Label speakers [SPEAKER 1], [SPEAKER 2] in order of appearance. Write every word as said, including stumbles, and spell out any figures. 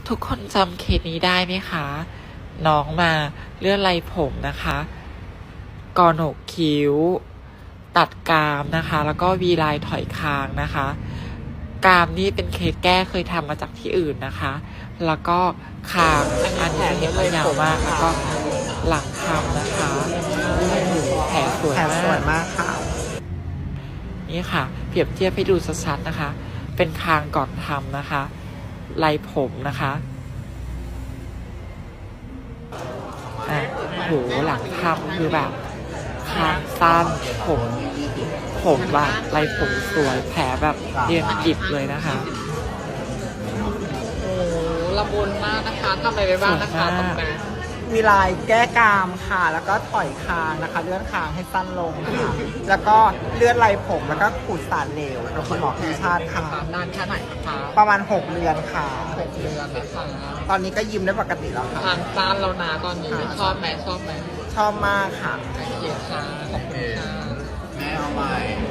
[SPEAKER 1] ทุกคนจำเคสนี้ได้ไหมคะ น้องมาเลื่อนไรผมนะคะกอโหนกคิ้ว ตัดกรามนะคะ แล้วก็วีไลน์ถอยคางนะคะกรามนี่เป็นเคสแก้เคยทำมาจากที่อื่นนะคะ แล้วก็คางอันนี้เห็นว่ายาวมากแล้วก็หลังทำนะคะแผลสวย
[SPEAKER 2] แผล
[SPEAKER 1] มาก
[SPEAKER 2] สวยมากค่ะ
[SPEAKER 1] นี่ค่ะ เปรียบเทียบให้ดูชัดๆนะคะ เป็นคางก่อนทำนะคะไรผมนะคะอ่ะโหหลังทำคือแบบคางสั้นผมผมแบบไรผมสวยแผลแบบเรียนกิบเลยนะคะ
[SPEAKER 3] โอ้ละมุนมากนะคะทำอะไรไปบ้างนะคะตรงนั้น
[SPEAKER 2] มีลายแก้กรามค่ะ แล้วก็ถอยคางนะคะ เลื่อนคางให้สั้นลงค่ะ แล้วก็เลื่อนไรผมแล้วก็ขูดสารเหลวโดยคุณหมอพิชาติค่ะ
[SPEAKER 3] นานแค่ไหนคะ
[SPEAKER 2] ประมาณหกเดือนค่ะ
[SPEAKER 3] หกเดือนนะคะ
[SPEAKER 2] ตอนนี้ก็ยิ้มได้ปกติแล้วค่ะ
[SPEAKER 3] ทางซานเรานาตอนนี้ชอบไหมชอบไหม
[SPEAKER 2] ชอบมากค่ะ
[SPEAKER 3] โอเคค่ะขอบคุณค่ะ
[SPEAKER 4] แม่เอาใหม่